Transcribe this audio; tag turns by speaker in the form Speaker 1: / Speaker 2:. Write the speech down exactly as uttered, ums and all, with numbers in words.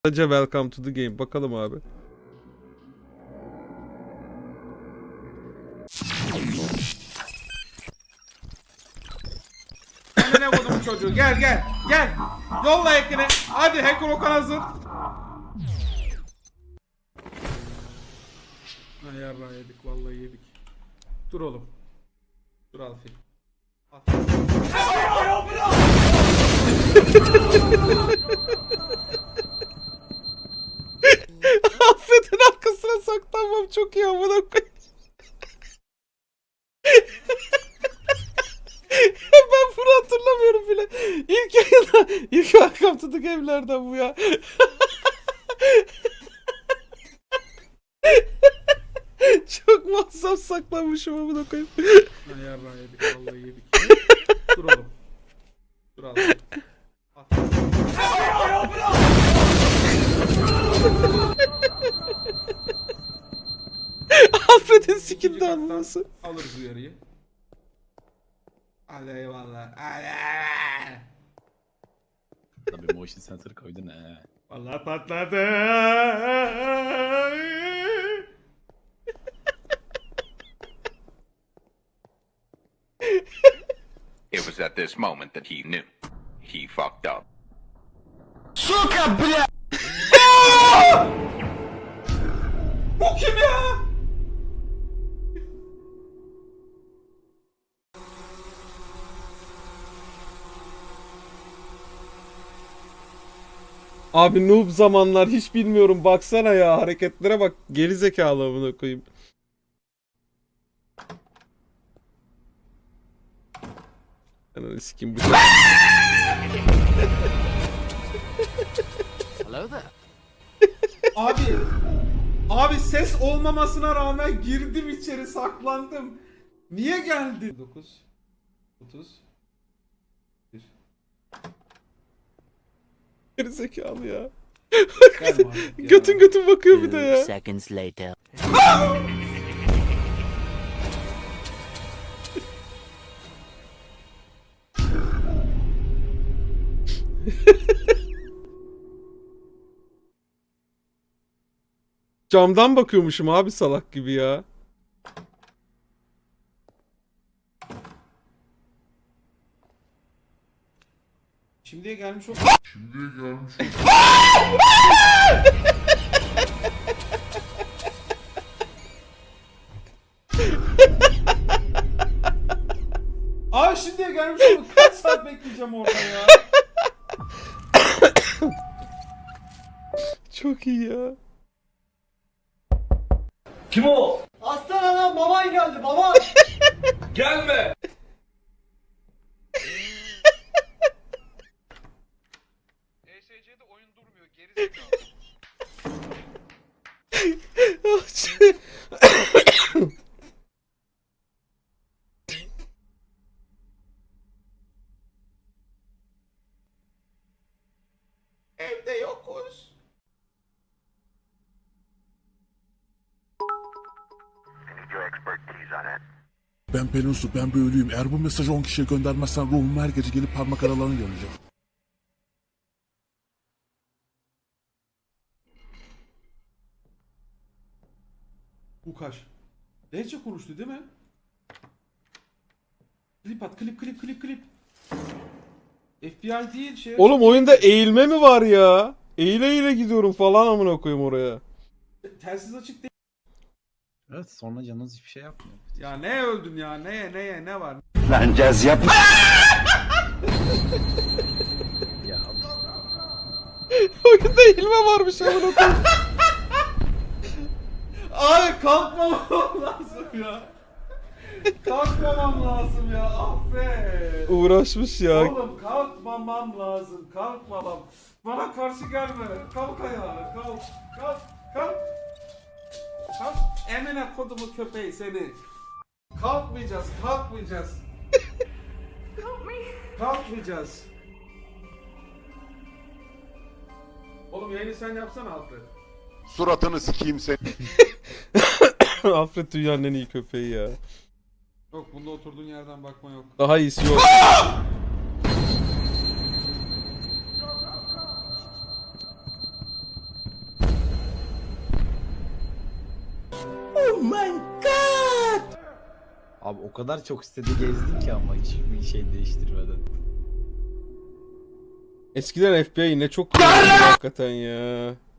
Speaker 1: Sadece welcome to the game. Bakalım abi.
Speaker 2: Ne vurdum bu çocuğu? Gel gel gel. Yolla ekini. Hadi Hacker Okan hazır. Ay yarrağı yedik vallahi yedik. Dur oğlum. Dur Alfi.
Speaker 1: Affedin arkasına saklanmam çok iyi amına koyayım. Ben bunu hatırlamıyorum bile. İlk yayında, ilk welcome to the game'lerden bu ya. Çok muazzam saklanmışım amına koyayım.
Speaker 2: Ay yarrağı yedik vallahi yedik. Dur oğlum. Dur Alfi.
Speaker 1: Affedin sikimde anlaması.
Speaker 2: Alırız uyarıyı. Hadi eyvallah. Hadi eyvallah.
Speaker 3: Tabii motion sensor koydun he.
Speaker 2: Vallahi patladı.
Speaker 4: It was at this moment that he knew. He fucked up.
Speaker 2: Bu kim ya?
Speaker 1: Abi noob zamanlar hiç bilmiyorum baksana ya hareketlere bak geri zekalı amına koyayım. Ananı sikeyim bu.
Speaker 5: Hello there.
Speaker 2: Abi. Abi ses olmamasına rağmen girdim içeri saklandım. Niye geldin? dokuz otuz bir.
Speaker 1: Geri zekalı ya.
Speaker 2: Gelme artık ya.
Speaker 1: Götün götün bakıyor bir de
Speaker 5: Two
Speaker 1: ya.
Speaker 5: seconds later.
Speaker 1: Camdan bakıyormuşum abi salak gibi ya.
Speaker 2: Şimdiye gelmiş o.
Speaker 6: Şimdiye gelmiş
Speaker 2: Abi şimdiye gelmiş o. Kaç saat bekleyeceğim orada ya.
Speaker 1: Çok iyi ya.
Speaker 7: Aslan anam baban geldi baban.
Speaker 2: E S C'de oyun durmuyor geri Evde yokuz.
Speaker 6: Ben Pelinsu, ben büyülüyüm. Eğer bu mesajı on kişiye göndermezsen ruhum her gece gelip parmak aralarını görecek.
Speaker 2: Ukaş. Lehçe konuştu değil mi? Klip at, klip klip klip klip. F B I değil şey.
Speaker 1: Oğlum oyunda eğilme mi var ya? Eğile eğile gidiyorum falan amına koyayım oraya.
Speaker 2: Telsiz açık değil.
Speaker 3: Evet sonra canınız hiçbir şey yapmıyor.
Speaker 2: Ya ne öldün ya? Neye neye ne var?
Speaker 3: Ya
Speaker 1: Oyunda eğilme varmış amına koyayım.
Speaker 2: Abi kalkmamam lazım ya. Kalkmamam lazım ya. Affet.
Speaker 1: Uğraşmış ya.
Speaker 2: Oğlum kalkmamam lazım. Kalkmamam. Bana karşı gelme. Kalk ayağa. Kalk. Kalk. Kalk. Kalk. Emine kodumu köpeği seni. Kalkmayacağız. Kalkmayacağız. Kalkmayacağız. Oğlum yayını sen yapsana Alfred.
Speaker 8: Suratını sikeyim seni.
Speaker 1: Alfred dünyanın en iyi köpeği ya.
Speaker 2: Yok bunda oturduğun yerden bakma yok.
Speaker 1: Daha iyisi yok.
Speaker 5: Abi o kadar çok sitede gezdin ki ama hiçbir şey değiştirmeden.
Speaker 1: Eskiden F B I ne çok hakikaten ya.